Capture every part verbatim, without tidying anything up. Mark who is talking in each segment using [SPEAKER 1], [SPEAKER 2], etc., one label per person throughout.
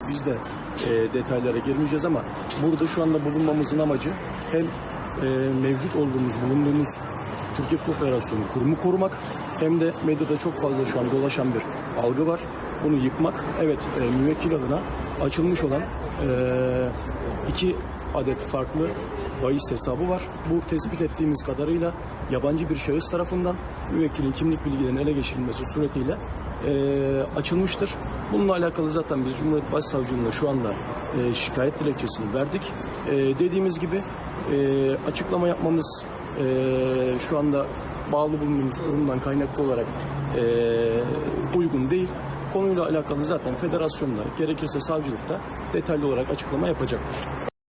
[SPEAKER 1] Biz de e, detaylara girmeyeceğiz ama burada şu anda bulunmamızın amacı hem e, mevcut olduğumuz, bulunduğumuz Türkiye Futbol Federasyonu kurumu korumak hem de medyada çok fazla şu an dolaşan bir algı var. Bunu yıkmak. Evet, e, müvekkil adına açılmış olan e, iki adet farklı bahis hesabı var. Bu tespit ettiğimiz kadarıyla yabancı bir şahıs tarafından müvekkilin kimlik bilgilerinin ele geçirilmesi suretiyle e, açılmıştır. Bununla alakalı zaten biz Cumhuriyet Başsavcılığına şu anda e, şikayet dilekçesini verdik. E, dediğimiz gibi e, açıklama yapmamız e, şu anda bağlı bulunduğumuz kurumdan kaynaklı olarak e, uygun değil. Konuyla alakalı zaten federasyonda, gerekirse savcılıkta detaylı olarak açıklama yapacaktır.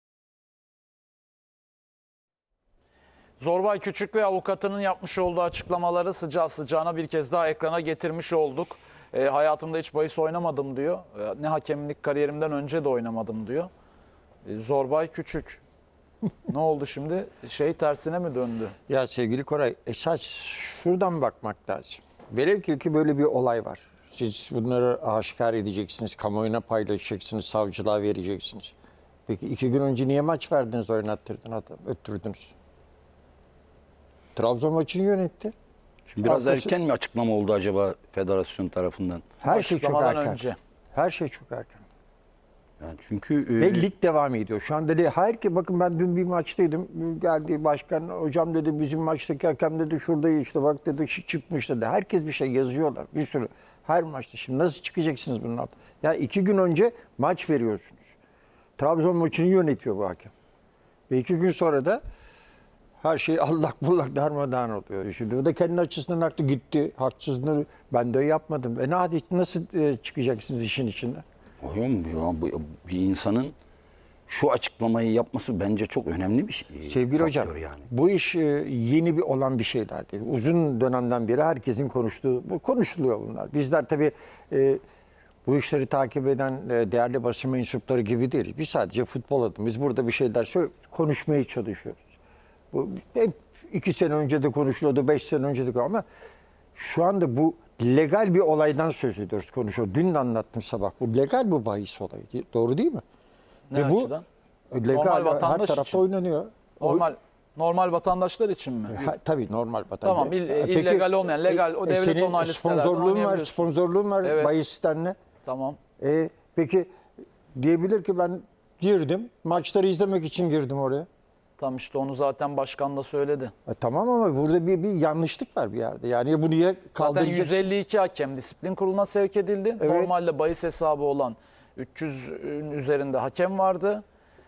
[SPEAKER 2] Zorbay Küçük ve avukatının yapmış olduğu açıklamaları sıcağı sıcağına bir kez daha ekrana getirmiş olduk. E, hayatımda hiç bahis oynamadım diyor. E, ne hakemlik kariyerimden önce de oynamadım diyor. E, Zorbay Küçük. Ne oldu şimdi? Şey tersine mi döndü?
[SPEAKER 3] Ya sevgili Koray, esas şuradan bakmak lazım. Velev ki ki böyle bir olay var. Siz bunları aşikar edeceksiniz, kamuoyuna paylaşacaksınız, savcılığa vereceksiniz. Peki iki gün önce niye maç verdiniz, oynattırdın adam, öttürdünüz? Trabzon maçını yönetti.
[SPEAKER 4] Şimdi biraz
[SPEAKER 3] Arkası,
[SPEAKER 4] erken mi açıklama oldu acaba federasyon tarafından?
[SPEAKER 3] her şey çok
[SPEAKER 2] Açıklamadan
[SPEAKER 3] erken.
[SPEAKER 2] önce.
[SPEAKER 3] Her şey çok erken.
[SPEAKER 4] Yani çünkü
[SPEAKER 3] Ve
[SPEAKER 4] e,
[SPEAKER 3] lig devam ediyor. Şu anda dedi, hayır ki bakın ben dün bir maçtaydım. Geldi başkan, hocam dedi bizim maçtaki hakem dedi şurada işte bak dedi çıkmış dedi. Herkes bir şey yazıyorlar. Bir sürü. Her maçta. Şimdi nasıl çıkacaksınız bunun altına? Ya iki gün önce maç veriyorsunuz. Trabzon maçını yönetiyor bu hakem. Ve iki gün sonra da her şey allak bullak darmadağın oluyor. Şimdi o da kendi açısından haklı, gitti. Haksızlığı ben de yapmadım. E ne hadi nasıl çıkacaksınız işin içinden?
[SPEAKER 4] Hocam ya, bu, bir insanın şu açıklamayı yapması bence çok önemli bir şey.
[SPEAKER 3] Sevgili hocam,
[SPEAKER 4] yani.
[SPEAKER 3] bu iş e, yeni bir olan bir şeyler değil. Uzun dönemden beri herkesin konuştuğu, bu konuşuluyor bunlar. Bizler tabii e, bu işleri takip eden e, değerli basın mensupları gibi değil. Biz sadece futbol adımız. Biz burada bir şeyler söyle, konuşmaya çalışıyoruz. Bu hep iki sene önce de konuşuluyordu, beş sene önce de ama şu anda bu legal bir olaydan söz ediyoruz, konuşuyoruz. Dün de anlattım sabah. Bu legal bu bahis olayı. Doğru değil mi?
[SPEAKER 2] Ne
[SPEAKER 3] Ve
[SPEAKER 2] açıdan?
[SPEAKER 3] bu legal
[SPEAKER 2] Normal
[SPEAKER 3] her
[SPEAKER 2] vatandaş
[SPEAKER 3] tarafta
[SPEAKER 2] için.
[SPEAKER 3] oynanıyor.
[SPEAKER 2] Normal normal vatandaşlar için mi?
[SPEAKER 3] Ha, tabii normal vatandaş.
[SPEAKER 2] Tamam, il-
[SPEAKER 3] Ha,
[SPEAKER 2] illegal olmayan, legal, o devlet
[SPEAKER 3] senin
[SPEAKER 2] onaylı sitelerden
[SPEAKER 3] sponsorluğun var,
[SPEAKER 2] oynayabiliyorsun.
[SPEAKER 3] sponsorluğun var
[SPEAKER 2] Evet.
[SPEAKER 3] bahis sitenle.
[SPEAKER 2] Tamam.
[SPEAKER 3] E, peki diyebilir ki ben girdim, maçları izlemek için girdim oraya.
[SPEAKER 2] Tam işte onu zaten başkan da söyledi.
[SPEAKER 3] E, tamam ama burada bir, bir yanlışlık var bir yerde. Yani bu niye
[SPEAKER 2] Zaten
[SPEAKER 3] kaldıracaksınız?
[SPEAKER 2] yüz elli iki hakem disiplin kuruluna sevk edildi.
[SPEAKER 3] Evet.
[SPEAKER 2] Normalde bahis hesabı olan üç yüzün üzerinde hakem vardı.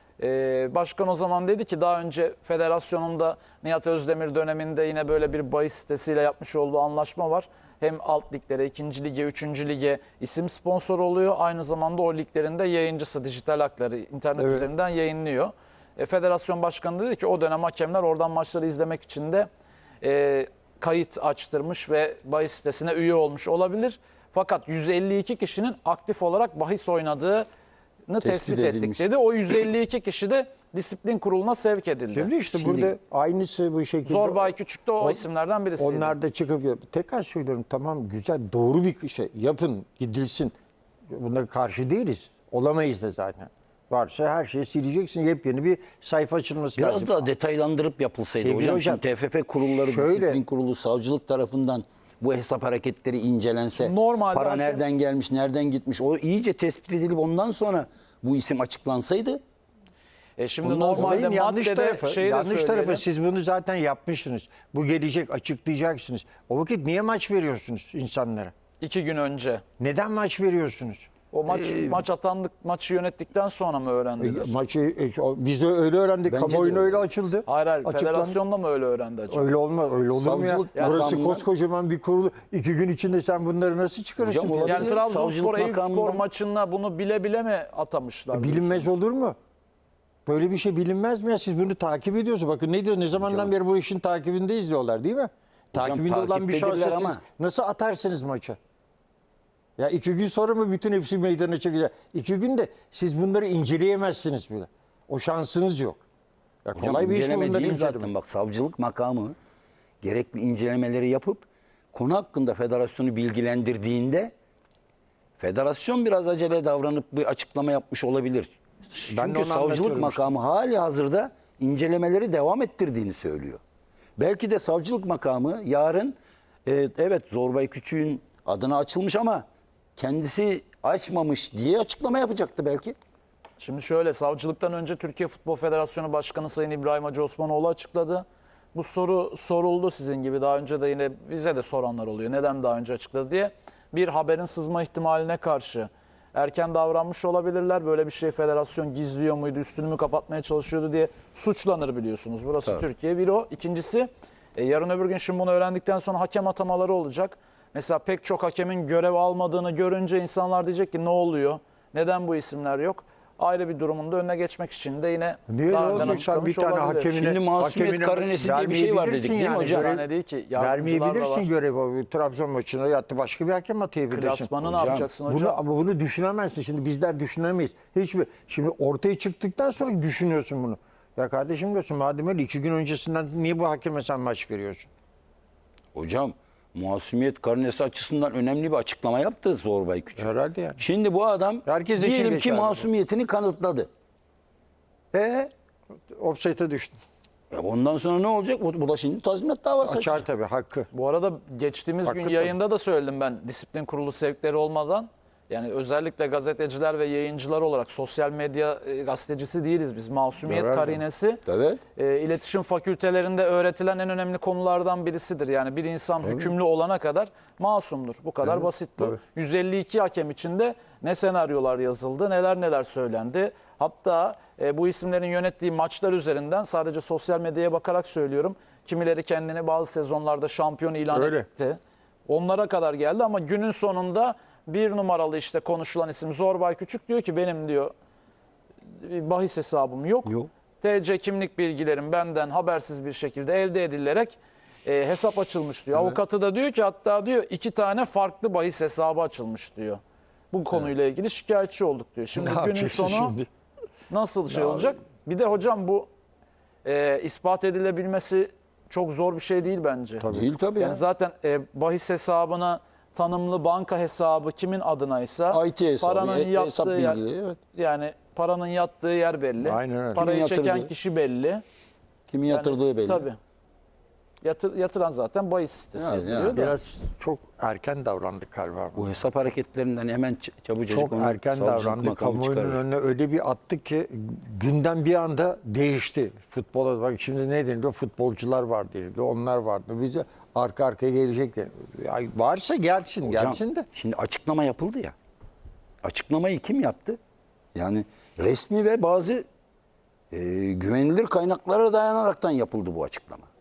[SPEAKER 2] Ee, başkan o zaman dedi ki daha önce federasyonunda Nihat Özdemir döneminde yine böyle bir bahis sitesiyle yapmış olduğu anlaşma var. Hem alt liglere, ikinci lige, üçüncü lige isim sponsor oluyor. Aynı zamanda o liglerin de yayıncısı, dijital hakları internet
[SPEAKER 3] Evet.
[SPEAKER 2] üzerinden yayınlıyor. E, federasyon başkanı dedi ki o dönem hakemler oradan maçları izlemek için de e, kayıt açtırmış ve bahis sitesine üye olmuş olabilir. Fakat yüz elli iki kişinin aktif olarak bahis oynadığını tespit,
[SPEAKER 4] Tespit
[SPEAKER 2] ettik
[SPEAKER 4] edilmiş.
[SPEAKER 2] dedi. O yüz elli iki kişi de disiplin kuruluna sevk edildi.
[SPEAKER 3] Şimdi işte
[SPEAKER 4] Şimdi-
[SPEAKER 3] burada aynısı bu şekilde.
[SPEAKER 2] Zorbay Küçük de o,
[SPEAKER 3] O-
[SPEAKER 2] isimlerden birisiydi.
[SPEAKER 3] Onlar da çıkıp tekrar söylüyorum tamam güzel doğru bir şey yapın gidilsin. Buna karşı değiliz. Olamayız da zaten. Varsa her şeyi sileceksin. Yepyeni bir sayfa açılması
[SPEAKER 4] Biraz
[SPEAKER 3] lazım.
[SPEAKER 4] daha detaylandırıp yapılsaydı
[SPEAKER 3] Sevgili
[SPEAKER 4] hocam.
[SPEAKER 3] hocam,
[SPEAKER 4] Şimdi T F F kurulları,
[SPEAKER 3] şöyle-
[SPEAKER 4] disiplin kurulu, savcılık tarafından bu hesap hareketleri incelense,
[SPEAKER 2] Normalde
[SPEAKER 4] para
[SPEAKER 2] hakem-
[SPEAKER 4] nereden gelmiş, nereden gitmiş, o iyice tespit edilip ondan sonra bu isim açıklansaydı.
[SPEAKER 2] E şimdi
[SPEAKER 3] Bundan
[SPEAKER 2] normalde
[SPEAKER 3] olayın yanlış
[SPEAKER 2] maddede
[SPEAKER 3] tarafı,
[SPEAKER 2] şeyi de
[SPEAKER 3] yanlış
[SPEAKER 2] söyleyelim.
[SPEAKER 3] tarafı siz bunu zaten yapmışsınız. Bu gelecek açıklayacaksınız. O vakit niye maç veriyorsunuz insanlara?
[SPEAKER 2] iki gün önce.
[SPEAKER 3] Neden maç veriyorsunuz?
[SPEAKER 2] O maç maç atandık, maçı yönettikten sonra mı öğrendiler?
[SPEAKER 3] E, maçı e, o- biz de öyle öğrendik.
[SPEAKER 4] Bence de
[SPEAKER 3] Kamuoyuna
[SPEAKER 4] öyle.
[SPEAKER 3] öyle açıldı.
[SPEAKER 2] Hayır hayır,
[SPEAKER 3] Açıklandı.
[SPEAKER 2] federasyonda mı öyle öğrendi acaba?
[SPEAKER 3] Öyle olmaz. Öyle olur mu ya?
[SPEAKER 4] Savcılık
[SPEAKER 3] Burası
[SPEAKER 4] makamından-
[SPEAKER 3] koskocaman bir kurulu. İki gün içinde sen bunları nasıl çıkarırsın?
[SPEAKER 4] Hocam, olabilir.
[SPEAKER 2] Yani Trabzonspor
[SPEAKER 4] Savcılık
[SPEAKER 2] Eyüpspor
[SPEAKER 4] makamından-
[SPEAKER 2] maçında bunu bile bile mi atamışlar?
[SPEAKER 3] Bilinmez
[SPEAKER 2] diyorsunuz?
[SPEAKER 3] olur mu? Böyle bir şey bilinmez mi ya? Siz bunu takip ediyorsunuz. Bakın ne diyor? Ne zamandan beri bu işin takibindeyiz diyorlar değil mi? Takibinde olan bir
[SPEAKER 4] takiptedirler
[SPEAKER 3] şahsa siz
[SPEAKER 4] ama-
[SPEAKER 3] nasıl atarsınız maça? Ya iki gün sonra mı bütün hepsi meydana çıkacak? İki günde siz bunları inceleyemezsiniz bile. O şansınız yok. Ya
[SPEAKER 4] Hocam,
[SPEAKER 3] kolay bir iş mi
[SPEAKER 4] inceleme
[SPEAKER 3] bunları
[SPEAKER 4] değil
[SPEAKER 3] incelemek?
[SPEAKER 4] zaten. Bak savcılık makamı gerekli incelemeleri yapıp konu hakkında federasyonu bilgilendirdiğinde Federasyon biraz acele davranıp bir açıklama yapmış olabilir.
[SPEAKER 3] Ben de
[SPEAKER 4] Çünkü
[SPEAKER 3] onu
[SPEAKER 4] savcılık
[SPEAKER 3] anlatıyorum
[SPEAKER 4] makamı hali hazırda incelemeleri devam ettirdiğini söylüyor. Belki de savcılık makamı yarın e, evet Zorbay Küçük'ün adına açılmış ama kendisi açmamış diye açıklama yapacaktı belki.
[SPEAKER 2] Şimdi şöyle, savcılıktan önce Türkiye Futbol Federasyonu Başkanı Sayın İbrahim Hacı Osmanoğlu açıkladı. Bu soru soruldu sizin gibi, daha önce de yine bize de soranlar oluyor. Neden daha önce açıkladı diye. Bir, haberin sızma ihtimaline karşı erken davranmış olabilirler. Böyle bir şey federasyon gizliyor muydu, üstünü mü kapatmaya çalışıyordu diye suçlanır biliyorsunuz. Burası
[SPEAKER 4] Tabii.
[SPEAKER 2] Türkiye. Bir o. İkincisi, e, yarın öbür gün şimdi bunu öğrendikten sonra hakem atamaları olacak. Mesela pek çok hakemin görev almadığını görünce insanlar diyecek ki ne oluyor? Neden bu isimler yok? Ayrı bir durumunda önüne geçmek için de yine
[SPEAKER 3] Niye
[SPEAKER 2] daha
[SPEAKER 3] ne
[SPEAKER 2] önden
[SPEAKER 3] olacak sen bir
[SPEAKER 2] açıklamış
[SPEAKER 3] tane
[SPEAKER 2] olabilir.
[SPEAKER 3] hakemine...
[SPEAKER 4] Şimdi masumiyet
[SPEAKER 3] hakemine
[SPEAKER 4] karinesi diye bir şey var dedik,
[SPEAKER 3] vermeyebilirsin
[SPEAKER 4] değil mi hocam?
[SPEAKER 3] görev-
[SPEAKER 2] Yani değil ki, yardımcılar da
[SPEAKER 3] Vermeyebilirsin
[SPEAKER 2] var.
[SPEAKER 3] görevi. Trabzon maçına yattı başka bir hakem atayabilirsin.
[SPEAKER 2] Klasmanı ne
[SPEAKER 4] Hocam,
[SPEAKER 2] yapacaksın hocam?
[SPEAKER 3] Bunu, ama bunu düşünemezsin. Şimdi bizler düşünemeyiz. Hiçbir. Şimdi ortaya çıktıktan sonra düşünüyorsun bunu. Ya kardeşim diyorsun madem öyle iki gün öncesinden niye bu hakeme sen maç veriyorsun?
[SPEAKER 4] Hocam masumiyet karinesi açısından önemli bir açıklama yaptı Zorbay Küçük.
[SPEAKER 3] Herhalde yani.
[SPEAKER 4] Şimdi bu adam
[SPEAKER 3] Herkes için
[SPEAKER 4] diyelim ki
[SPEAKER 3] geçerli bu.
[SPEAKER 4] masumiyetini kanıtladı. E,
[SPEAKER 3] Offside'e düştün.
[SPEAKER 4] e ondan sonra ne olacak? Bu, bu da şimdi tazminat davası
[SPEAKER 3] Açar
[SPEAKER 4] açacak.
[SPEAKER 3] tabii hakkı.
[SPEAKER 2] Bu arada geçtiğimiz
[SPEAKER 3] Hakkı
[SPEAKER 2] gün
[SPEAKER 3] tabii.
[SPEAKER 2] yayında da söyledim ben, disiplin kurulu sevkleri olmadan. Yani özellikle gazeteciler ve yayıncılar olarak, sosyal medya e, gazetecisi değiliz biz. Masumiyet
[SPEAKER 3] Herhalde.
[SPEAKER 2] karinesi
[SPEAKER 4] Evet.
[SPEAKER 2] e, iletişim fakültelerinde öğretilen en önemli konulardan birisidir. Yani bir insan hükümlü olana kadar masumdur. Bu kadar basit bu.
[SPEAKER 3] tabii.
[SPEAKER 2] yüz elli iki hakem içinde ne senaryolar yazıldı, neler neler söylendi. Hatta e, bu isimlerin yönettiği maçlar üzerinden sadece sosyal medyaya bakarak söylüyorum. Kimileri kendini bazı sezonlarda şampiyon ilan
[SPEAKER 3] Öyle.
[SPEAKER 2] etti. Onlara kadar geldi ama günün sonunda bir numaralı işte konuşulan isim Zorbay Küçük diyor ki benim diyor bahis hesabım yok.
[SPEAKER 4] Yok.
[SPEAKER 2] T C kimlik bilgilerim benden habersiz bir şekilde elde edilerek e, hesap açılmış diyor. Avukatı da diyor ki hatta diyor iki tane farklı bahis hesabı açılmış diyor. Bu konuyla ilgili şikayetçi olduk diyor. Şimdi
[SPEAKER 3] Ne
[SPEAKER 2] günün
[SPEAKER 3] yapacaksın
[SPEAKER 2] sonu
[SPEAKER 3] şimdi?
[SPEAKER 2] nasıl şey olacak? Bir de hocam bu e, ispat edilebilmesi çok zor bir şey değil bence.
[SPEAKER 4] Değil tabii
[SPEAKER 2] Yani
[SPEAKER 4] ya.
[SPEAKER 2] zaten e, bahis hesabına tanımlı banka hesabı kimin adınaysa
[SPEAKER 4] I T hesabı,
[SPEAKER 2] paranın
[SPEAKER 4] e-
[SPEAKER 2] yattığı
[SPEAKER 4] hesap
[SPEAKER 2] yer,
[SPEAKER 4] bilgileri, evet.
[SPEAKER 2] yani paranın yattığı yer belli.
[SPEAKER 3] Aynen öyle.
[SPEAKER 2] Parayı
[SPEAKER 4] Kimin
[SPEAKER 2] çeken
[SPEAKER 4] yatırdığı.
[SPEAKER 2] kişi belli.
[SPEAKER 4] Kimin
[SPEAKER 2] Yani
[SPEAKER 4] yatırdığı belli.
[SPEAKER 2] Tabii. Yatır, yatıran zaten bahis sitesi
[SPEAKER 4] Yani,
[SPEAKER 2] yatırıyor
[SPEAKER 4] yani.
[SPEAKER 2] da.
[SPEAKER 3] Biraz çok erken davrandık galiba.
[SPEAKER 4] Bu hesap hareketlerinden hemen ç- çabucacık
[SPEAKER 3] Çok
[SPEAKER 4] onu
[SPEAKER 3] erken
[SPEAKER 4] savcılık
[SPEAKER 3] davrandık.
[SPEAKER 4] makamı
[SPEAKER 3] Kamuoyunun
[SPEAKER 4] çıkarır.
[SPEAKER 3] önüne öyle bir attık ki gündem bir anda değişti. Futbola bak şimdi ne deniliyor? Futbolcular var deniliyor. Onlar vardı. Bize arka arkaya gelecek deniliyor. Ya varsa gelsin,
[SPEAKER 4] Hocam,
[SPEAKER 3] gelsin de.
[SPEAKER 4] Şimdi açıklama yapıldı ya. Açıklamayı kim yaptı? Yani resmi ve bazı e, güvenilir kaynaklara dayanaraktan yapıldı bu açıklama.